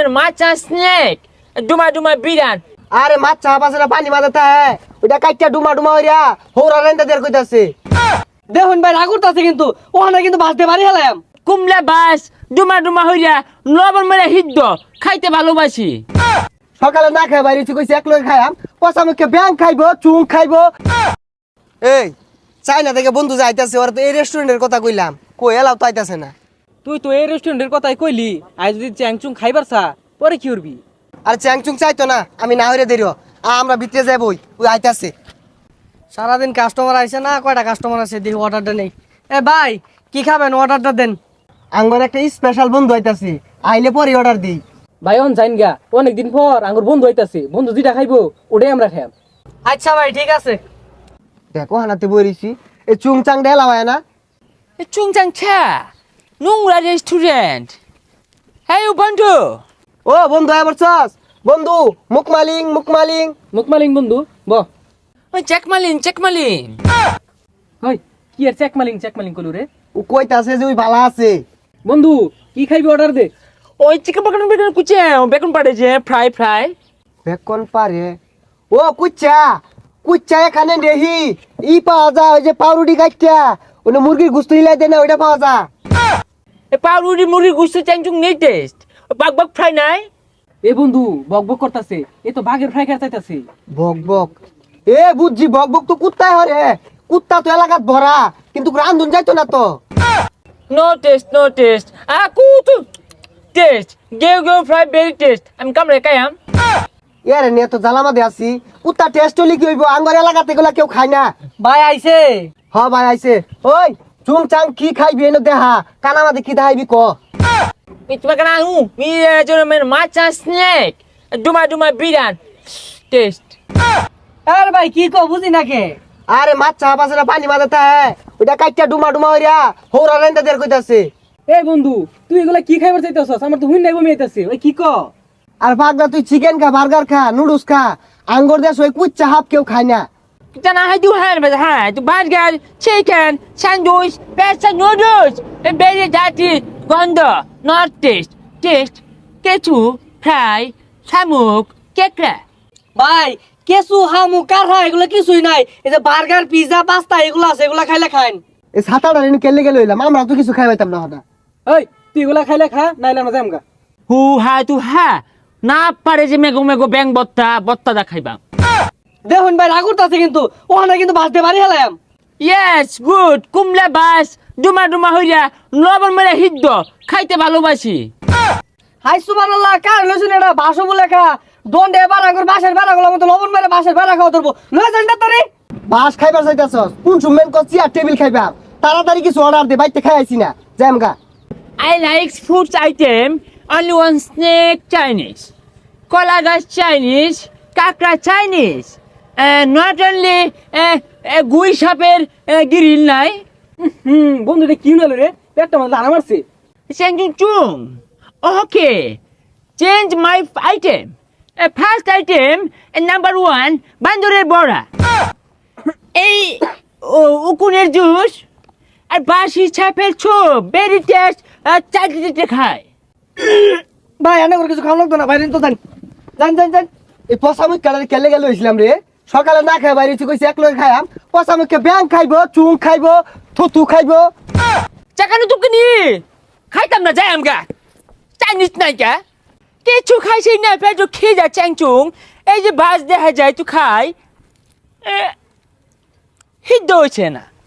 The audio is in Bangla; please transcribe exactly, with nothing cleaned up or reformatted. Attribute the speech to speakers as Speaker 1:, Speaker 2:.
Speaker 1: মেয়ের মাছা স্নেক ডুমা ডুমা বিরান।
Speaker 2: আরে মাছ চা পাশে পানি মাথাতে হ্যাঁ ওইটা কাইটা ডুমা ডুমা হইরা হৌরা রেন্দা দের কইতাছে।
Speaker 3: দেখুন ভাই রাগ করতেছে কিন্তু ওখানে কিন্তু ভাসতে পারি হেলাম।
Speaker 1: কুমলা বাস ডুমা ডুমা হইরা লবণ মেরে হিদ্দ খাইতে ভালোবাসি।
Speaker 2: সকালে না খাই বাইরে কইছে এক লোক খাইয়াম পচা মুখে ব্যাং খাইবো চুং খাইবো। এই চাইনা থেকে বন্ধু যাইতাছে ওরা তো এই রেস্টুরেন্টের কথা কইলাম কই এলাও তো আইতাছে না।
Speaker 3: তুই তো এই রেস্টুরেন্টের কথাই কইলি আজ যদি চ্যাংচুং খাইবার চা পরে কি করবি?
Speaker 2: আর চ্যাংচুং চাইতো না আমি না হইরে দেরিও আমরা ভিতরে যাবই ওই আইতাছে।
Speaker 3: সারাদিন কাস্টমার আইছে না কয়টা কাস্টমার আছে দেখি অর্ডারটা নেই। এ ভাই কি খাবেন অর্ডারটা দেন।
Speaker 2: আঙ্গর একটা স্পেশাল বন্ধু আইতাছে আইলে পরে অর্ডার দিই।
Speaker 3: ভাই অন যাইন গা অনেকদিন পর আঙ্গুর বন্ধু হইতাছে বন্ধু যেটা খাইবো ওটাই আমরা খাইম। আচ্ছা ভাই ঠিক আছে।
Speaker 2: দেখো হানাতে বইরিছি এই চুং চাং ঢেলা হয় না
Speaker 1: চুংচাং ছা নোংরা রেস্টুরেন্ট। হ্যাঁ বন্ধু।
Speaker 2: ও বন্ধু আবার চস বন্ধু মুকমালিং মুকমালিং
Speaker 3: মুকমালিং বন্ধু ব
Speaker 1: ওই চেকমালিন চেকমালিন।
Speaker 3: হই কি আর চেকমালিং চেকমালিং কলু রে।
Speaker 2: ও কইতাছে যে ওই ভালো আছে।
Speaker 3: বন্ধু কি খাইবি অর্ডার দে।
Speaker 1: ওই চিকেন বেকন বেকন কুচে বেকন পাড়েছে ফ্রাই ফ্রাই।
Speaker 2: বেকন পারে ও কুচ্চা কুচ্চা এখানে নেহি ই পাওয়া যায় ওই যে পাউরুটি কাটটা ওনে মুরগির গুস্ত হিলাই দেয় না ওইটা পাওয়া যায়।
Speaker 1: এ পাউরুটি মুড়ি গুস্ত চ্যাংচুং নেই টেস্ট বাক বাক ফ্রাই নাই।
Speaker 3: এ বন্ধু বক বক করতাছে এ তো বাঘের ফ্রাই খাইতে চাইতাছে।
Speaker 2: বক বক এ বুঝছি বক বক তো কুত্তায় হরে কুত্তা তো এলাকাত ভরা কিন্তু রান্ধুন যাইতো না তো।
Speaker 1: নো টেস্ট নো টেস্ট আ কুতু টেস্ট গেও গেও ফ্রাই ভেরি টেস্ট আমি কামড়ে কায়াম।
Speaker 2: এরে নিয়ে তো জ্বালামাদে আছি কুত্তা টেস্ট হলে কি হইব আঙ্গর এলাকাতে এগুলা কেউ খায় না।
Speaker 3: ভাই আইছে।
Speaker 2: হ ভাই আইছে ওই চুং চাং কি খাইবি এনে দেহা কানামাদে কি দেখাইবি ক।
Speaker 1: Itu makan aku. Mira jono men macha snack. Duma duma bidan. Taste.
Speaker 3: আরে ভাই কি কো বুঝি না কে।
Speaker 2: আরে মাছ চা পাশে পানি মাথাতে হ্যাঁ ওইটা কাইটা ডুমা ডুমা হইরা হৌরা রেন্দা দের কইতাছে।
Speaker 3: এ বন্ধু তুই এগুলা কি খাইবার চাইতাছস আমার তো হুই নাই বমি আইতাছে ওই কি কো।
Speaker 2: আর পাগলা তুই চিকেন খা বার্গার খা নুডলস খা আঙ্গর দেশ ওই কুচ্চা হাফ কেউ খায় না।
Speaker 1: Kita nak hadu han pada han. Tu burger, chicken, sandwich, pasta noodles. And very dirty. Gondo. Not taste. Taste. Kechu. Fry. Samuk. Kekra.
Speaker 3: ভাই কেসু হামু কারহা এগুলা কিছুই নাই এই যে বার্গার পিজা পাস্তা এগুলা আছে এগুলা খাইলে খাইন।
Speaker 2: এই সাতাটা রেনু কেলে গেলে হইলাম আমরা তো কিছু খাই পাইতাম না হঠাৎ।
Speaker 3: ওই তুই এগুলা খাইলে খা নাইলে আমরা যামগা।
Speaker 1: Hu ha tu ha. Na pare je mego mego bang botta. Botta da khaiba.
Speaker 3: দেখুন ভাই রাগ করতেছে কিন্তু ওখানে কিন্তু ভাসতে পারি হেলাম।
Speaker 1: Yes, good. Kumla bas. Duma duma হইরা লবণ মেরে হিদ্দ খাইতে ভালোবাসি।
Speaker 3: হাই সুবহানাল্লাহ কার লসুন এটা ভাষো বলে খা দন্ডে বাড়া কর বাসের বাড়া গুলো মতো লবণ মেরে বাসের বাড়া খাওয়া ধরবো লয়ে যান না তারে।
Speaker 2: বাস খাইবার চাইতাছস কোন সুমেন কো চেয়ার টেবিল খাইবা তাড়াতাড়ি কিছু অর্ডার দে বাইতে খাই আইছি না জামগা।
Speaker 1: I like food item. Only one snake Chinese. Kola gas Chinese. Kakra Chinese. Uh, not only uh, uh, গুই সাপের গ্রিল নাই।
Speaker 3: হুম বন্ধু এটা কি হলো রে পেটটা মানে লানা মারছে।
Speaker 1: Changchung chung. Okay. Change my item. Uh, first item, uh, number one, বান্দরের বড়া। এই উকুনের জুস আর বাসি ছাপের ছোপ ভেরি টেস্ট চাটতে খায়।
Speaker 3: ভাই এনে করে কিছু খাওয়া লাগতো না বাইরে তো জান জান জান জান।
Speaker 2: এই পচা মুখ কালারে কেলে গেলে হইছিলাম রে সকালে না খাই বাইরে কইছে এক লোক খাইয়াম পচা মুখে ব্যাং খাইবো চুং খাইবো থুতু খাইবো।
Speaker 1: চাকানো তুমি নি খাইতাম না যাই আমগা চাইনিজ নাই কা কিছু খাইছি না পেটো খেয়ে যা চ্যাংচুং এই যে বাস দেখা যায় তুই খাই হিদ্দ হয়েছে না।